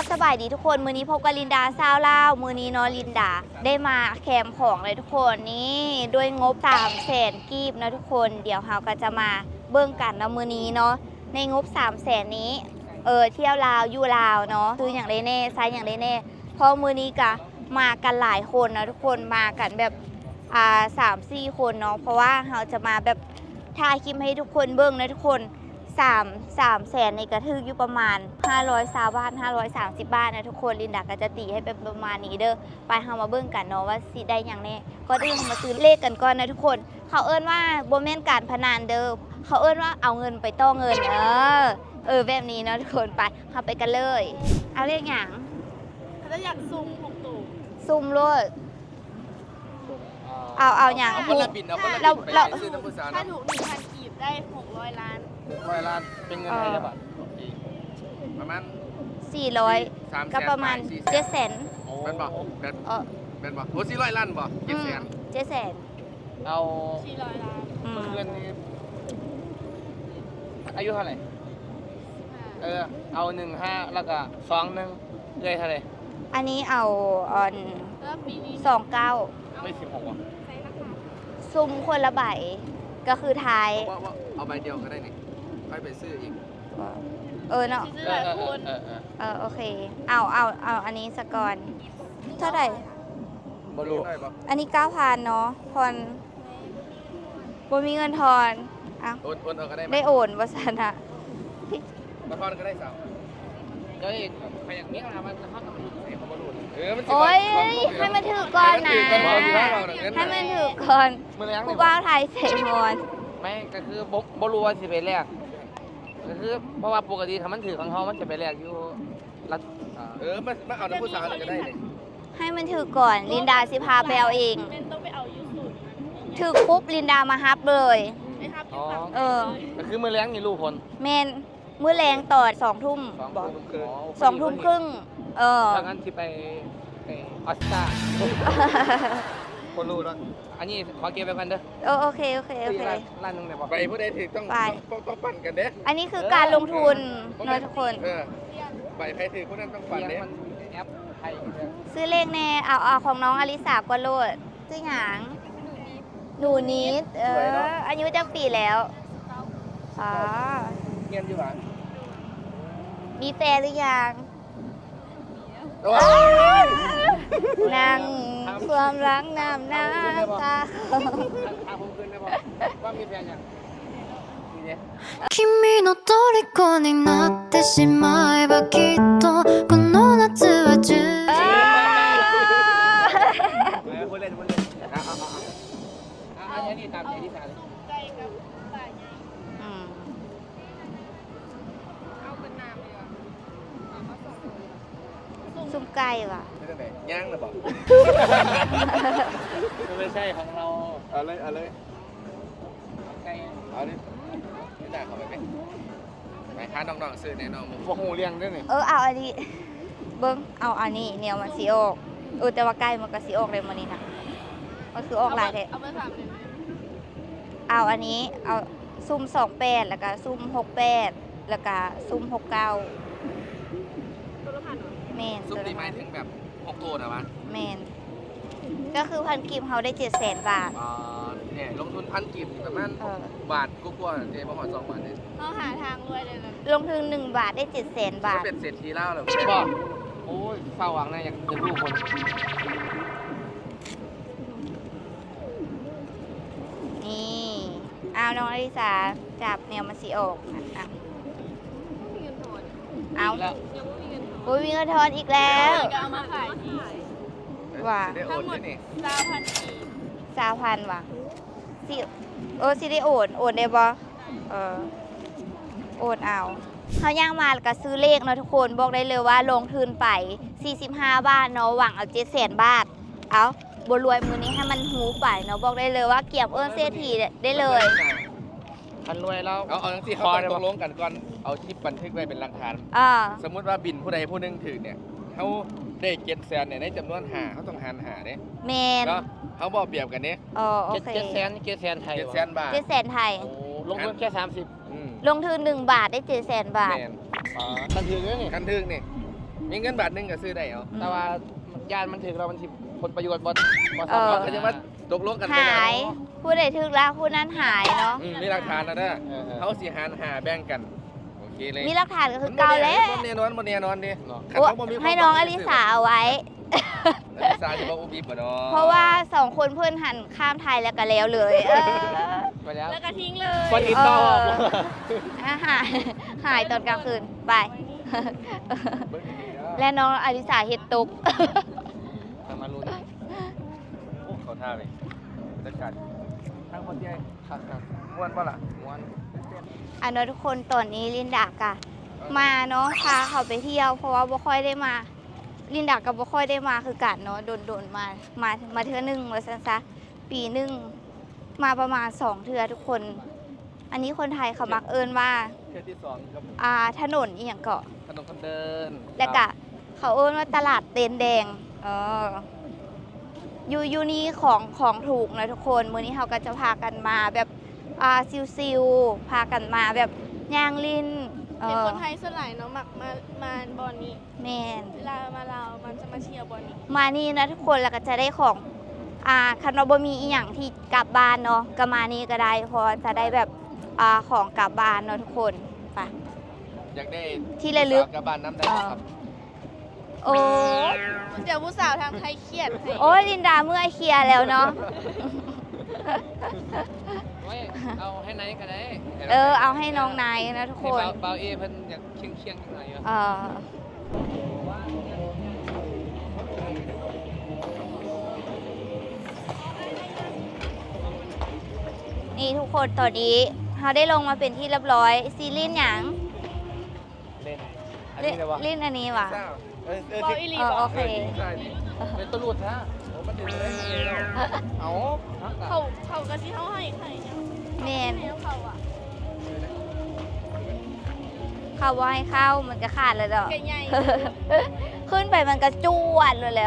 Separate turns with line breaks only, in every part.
สบายดีทุกคนมือนี้พบกับลินดาซาวลาวมือนี้เนาะลินดาได้มาแคมป์ของเลยทุกคนนี่ด้วยงบ300,000 กีบนะทุกคนเดี๋ยวเราก็จะมาเบิ่งกันนะมือนี้เนาะในงบ300,000 นี้เที่ยวลาวอยู่ลาวเนาะซื้ออย่างไรแน่ไซส์อย่างไรแน่เพราะมือนี้ก็มากันหลายคนนะทุกคนมากันแบบ3-4 คนเนาะเพราะว่าเราจะมาแบบถ่ายคลิปให้ทุกคนเบิ่งนะทุกคน300,000ในกระทึกอยู่ประมาณ520 บาท530 บาทนะทุกคนลินดาก็จะตีให้เป็นประมาณนี้เด้อไปเฮามาเบิ่งกันเนาะว่าสิได้อย่างแน่ก็ดึงมาซื้อเลขกันก่อนนะทุกคนเขาเอิ้นว่าบ่แม่นการพนันเด้อเขาเอิ้นว่าเอาเงินไปต่อเงินแบบนี้เนาะทุกคนไปเฮาไปกันเลยเอาเลขหยัง
ถ้าอยากซุ่ม6ตู่
ซุ่มโลดเอาอย่าง
คนละบินเอาคนละบินไปซื้อน้ำพุสา
ถ้าถูก 1,000 กีบได้600 ล้าน
600 ล้านเป็นเงินไทยบาทประมาณ
400ก็ประมาณ700,000
เป็นบ่เป็นบ่โอ้400 ล้านบ่
700,000
เอา
400 ล้าน
เงินนี้อายุเท่าไหร่เอา15แล้วก็21เลยเท่าไหร่
อันนี้เอา
แล้วปีนี้
29
ไม่16ว่ะ
ซุ่มคนละใบก็คือท้าย
ว่าเอาใบเดียวก็ได้นี่ค่อยไปซื้ออีก
เนาะ
ซื้อหลายคน
โอเคเอาอันนี้สกอนเท่าไหร่
บ่รู้
อันนี้ 9,000 เนาะพรบ่มีเงินทอน
โอนเอาก็ได้
ได้โอนบ่ซั่นน่ะ
บ่ทอนก็ได้สาวก็อีกใครอย่างนี้นะมันเฮาต้องรู้ให้เขาบ่รู้
โอ้ยให้มันถือก่อนนะให้มันถือก่อนผู้บ่าวไทยเสกฮอน
ไม่ก็คือบ่รู้ว่าสิไปแลกก็คือเพราะว่าปกติถ้ามันถือของเฮามันจะไปแลกอยู่รัฐมันเอาน้ำพุสาก็ได้นี่
ให้มันถือก่อนลินดาสิพาไปเอาเอง
ต้องไปเอายูสุ
ถือปุ๊บลินดามาฮับเลย
ไม่ฮับ
ก็คือมื้อแลงนี่รู้ผล
แม่นมื้อแรงต่อ2 ทุ่มบอก2 ทุ่มครึ่ง
ถ้างั้นที่ไปออสการ์คนรู้แล้วอันนี้ขอเก็บไปกันเด้อ
โอเค
ร้านนึงไหนบอกไปผู้ใดถือต้องปั่นกันเด้อ
อันนี้คือการลงทุนนะทุกคน
ไปใครถือผู้นั้นต้องปั่นเด้อแอปไทย
ซื้อเลขแน่เอาของน้องอลิสากว่าโลดซื้อหยังหนูนิดอายุจักปีแล้ว
เงียบอยู่หรอ
มีแฟนหรือยังนั่งความรักน้ำตา
ผมคืนได้บอกว่ามีแฟนยัง
君の虜になってしまえばきっとこの夏は充実
พูดเล่นอันนี้ตามใจที่สาร
ซุ่มไก่กับป่าใหญ่เอาเป็นน้ำเลยอ่ะ
ซุ่มไก่ว่ะ
ย่างหรือเปล่าไม่ใช่ของเราเอาเลยไก่เอาดิไม่ได้เขาไปไหมค้าน้องๆซื้อแน่นอนพวกหูเลี้ยงด้วยนี่
เอาอันนี้เบิ้งเอาอันนี้เนี่ยมันสีออกแต่ว่าไก่มันก็สีออกเลยมันนี่นะมันคือออกหลายแท้
เอาไป3เลย
เอาอันนี้เอาซุ่ม28แล้วก็ซุ่ม68แล้วก็ซุ่ม69
ตัวละ1,000เหรอ
แมน
ซุ่มตีไม้ถึงแบบ6ตัวนะวะ
แมนก็คือ1,000 กีบเขาได้700,000 บาท
เนี่ยลงทุน1,000 กีบประมาณบาทกว่าเจ๊ประมาณ2 บาทเนี่ย
เขาหาทางรวยเลยนะ
ลงทุน1 บาทได้700,000 บาท
เป็นเศรษฐีเล่าเลยบอกโอ้ยเฝ้าหวังนะอยากเป็นลูกคน
นี่เอาน้องอลิสาจับแนวมันสีออกเอามีเงินทอนอีกแล้ว
เอามาขายดี
ว่า
ทั้งหมด
20,000 ว่ะสิได้โอนได้บ่โอนเอาเขาย่างมาแล้วก็ซื้อเลขเนาะทุกคนบอกได้เลยว่าลงทุนไป45 บาทเนาะหวังเอา700,000 บาทเอาบรวยมือนี้ให้มันหูไปเนาะบอกได้เลยว่าเกี่ยมเศรษฐีได้เลย
คันรวยแล้วเอาทั้งที่เขาตกลงกันก่อนเอาคลิปบันทึกไว้เป็นหลักฐานสมมุติว่าบินผู้ใดผู้หนึ่งถือเนี่ยเขาได้700,000เนี่ยในจำนวน5เขาต้องหาร5เนี่ย
แมน
เขาบอกเปรียบกันนี้700,000ไทย700,000 บาท
700,000 ไทย
ลงทุนแค่30
ลงทุน1 บาทได้700,000 บาท
คันถึงนี่คันถึงนี่มีเงินบาทหนึงก็ซื้อได้เอา
แต่ว่าญาติมันถึงเรามันสิผลประโยชน์บ่
เออ
เขาจะมาตกลงกัน
หายผู้ใดถึกแล้วผู้นั้นหายเนาะ
มีหลักฐานนะเด้อเขาสิหารหาแบ่งกันโอเคเลย
มีหลักฐานก็คือเก่าแล้ว
บ่แน่นอนบ่แน่นอนดิ
โอ้ให้น้องอลิสาเอาไว้
อลิสาจะบ่อุบิบ่เนาะ
เพราะว่า2คนเพื่อนหันข้ามไทยแล้วก็แล้วเลย
ไปแล้ว
แล้วก็ทิ้งเลย
คนติดต่อ
หายตอนกลางคืนไป และน้องอลิสาเฮ็ดตุก
มาลุ้น
โอ้เขาท่าเลยจัดการ
ทั้งคนใหญ่ครับ
ม่วนบ่ล่ะ
ม้วน
อันนั้นทุกคนตอนนี้ลินดากะมาเนาะพาเขาไปเที่ยว เพราะว่าบ่ค่อยได้มา ลินดากับบ่ค่อยได้มาคือกันเนาะโดนมาเทื่อนึงว่าซั่นซะปีนึงมาประมาณ2เทื่อทุกคน อันนี้คนไทยเขามักเอิ้นว่า
เทื่อที่2ครับ
ถนนอีหยังเกาะ
ถนนคนเดิน
แล้วก็เขาเอิ้นว่าตลาดเตนแดงอยู่นี่ของถูกนะทุกคนมื้อนี้เขาก็จะพากันมาแบบซิวๆพากันมาแบบย่างลิ้น
เป็นคนไทยส่วนใหญ่เนาะมักมาบอลนี้
แม่น
เวลามาเรามันจะมาเชียร์บอลนี้
มานี่นะทุกคนแล้วก็จะได้ของคันว่าบ่มีอีหยังที่กลับบ้านเนาะก็มานี่ก็ได้เพราะจะได้แบบของกลับบ้านเนาะทุกคนไป
อยากได้
ที่ระลึก
สาวกับบ้านน้ำได้ครับ
โอ้
เดี๋ยวผู้สาวทางไทยเครียดให้
โอ้ยลินดาเมื่อยเคลียร์แล้วเนาะ
เอาให้ไหนก็ได้
เอาให้น้องนายนะทุกคน
เบาเอเพิ่นอยากเคียงๆหน่อยอยู่
นี่ทุกคนตอนนี้เขาได้ลงมาเป็นที่เรียบร้อยซีรีส์หยัง
เล่นอันนี้เลยวะ
ลิ้นอันนี้ว่ะ
บอลอีลีบอ
โอ
ล
เค
เป็นตัวหลุดฮะ
โอ้มันถึงเลย
เอา
เขากะที่เขาให้ใครเนี่ย
เมน
ให้เขาอ่ะ
เข้าว่าให้เข้ามันจะขาดเลยดอก
แกใหญ่
ขึ้นไปมันก็จวดเลยแล้ว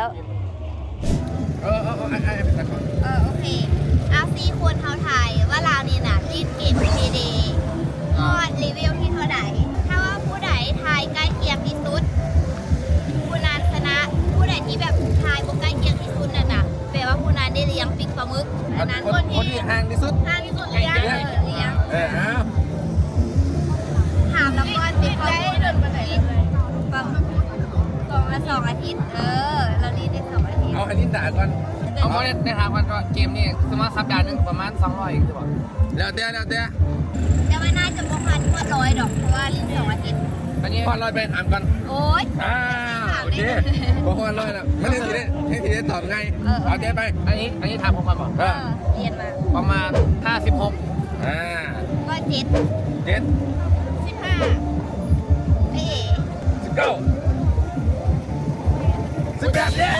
ไอ้เป็นตะกอน
โอเคเอาซีควรเท้าไทยว่าเรานี่น่ะรีดเก็บพีดีก็รีวิวที่เท่าไหร่ถ้าว่าผู้ใดทายใกล้เคียงที่สุดผู้นั้นชนะผู้ใดที่แบบทายบ่ใกล้เคียงที่สุดนั่นน่ะแปลว่าผู้นั้นได้เลี้ยงปิกปลาหมึกอันนั้น
คนที่ห่างที่สุด
ทางที่สุดเลี้ยงเลี้ยง
เอา
ถามแล้วก็ติด
ได้
ได้
เดินไปไหนเลย
ปลาหมึก2 อาทิตย์เรารีดได้2 อาทิตย์
เอาอันนี้ด่าก่อน
เอาเพราะในทางวันก็เกมนี่สมมติสัปดาห์หนึงประมาณ200อีกคือบ่
แล้วแต่
แต่ว่าน่าจะประมาณ100ดอกเพราะว่ารีด2 อาทิตย์
อันนี้
พอลอยไปถามกัน
โอ้ย
โอเคพอลอยแล้วไม่ได้ทีได้ตอบไงเอาเจ๊ไป
อันนี้ถามผมมาบ่
เรียนมา
ประมาณ56
ก็7
เจ็ด
15เอ๊ะ
19 18เนี่ย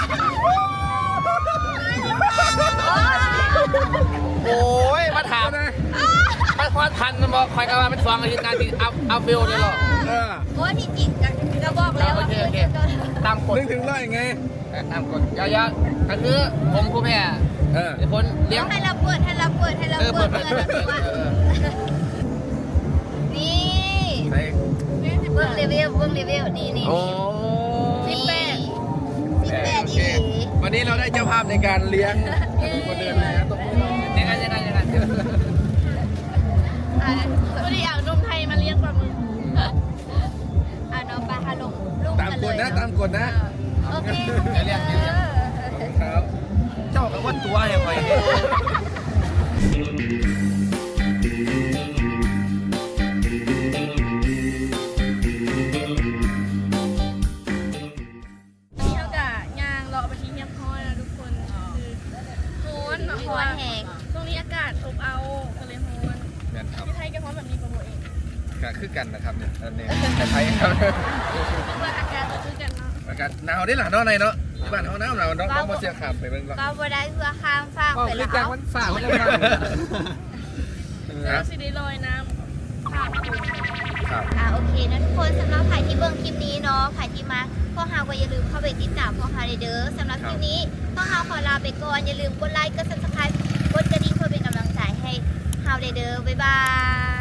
โอ้ยมาถามมันควาทันมันบอกคอยกันมาเป็น2อาทิตย์งานที่เอาเบลเลยหรอ
โอ้ที่จริงก็บอกแล้ว
โอเคตามกฎ
นึกถึงร้อยไง
ตามกฎยาวๆก็คือผมผู้แพ้เป็นคนเลี้ยง
ให้เราเปิดเปิดเนี่
ใส่
เบิ้งรีวิวนี่
โอ้
18
โอเควันนี้เราได้เจ้าภาพในการเลี้ยงคนเดินนะตบมือ
ยังไง
ตัวที่เอานมไทยมาเลี้ยงปลาหมึก
น้องปลาฮาลงลูก
ตามกฎนะตามกฎนะ
โอเค
ครับเจ้ากับว่าตัวให้คอย
นี่เขากะยางเราเอาไปทิ้งเงียบห้อยนะทุกคนคือโฮน
คอนแหง
ตรงนี้อากาศอบเอาก็เลยโฮน
แม่นครับ
ที่ไทยก็ฮ้อนแบบนี้ประโมเอง
ก็คือกันนะครับเนี่ยอันนี้ไทยครับ
เพื่ออากาศจะคือกันเนาะ
อากาศหนาวได้หล่ะเนาะในเนาะที่บ้านเขาหนาวน้องมาเสียขามไปเบิ่งก่อน
ก็บ่ได้เพื่อข้ามฟากไปแล้ว
มันฝ่ามันเลย
เจอสิได้ลอยน้ำผ่าน
ครับ
โอเคนะทุกคนสำหรับใครที่เบิ่งคลิปนี้เนาะใครที่มาพวกเราก็อย่าลืมเข้าไปติดตามพวกเราเด้อสำหรับคลิปนี้พวกเราขอลาไปก่อนอย่าลืมกดไลค์กด Subscribe กดกระดิ่งเพื่อเป็นกำลังใจให้เราเด้อบ๊ายบาย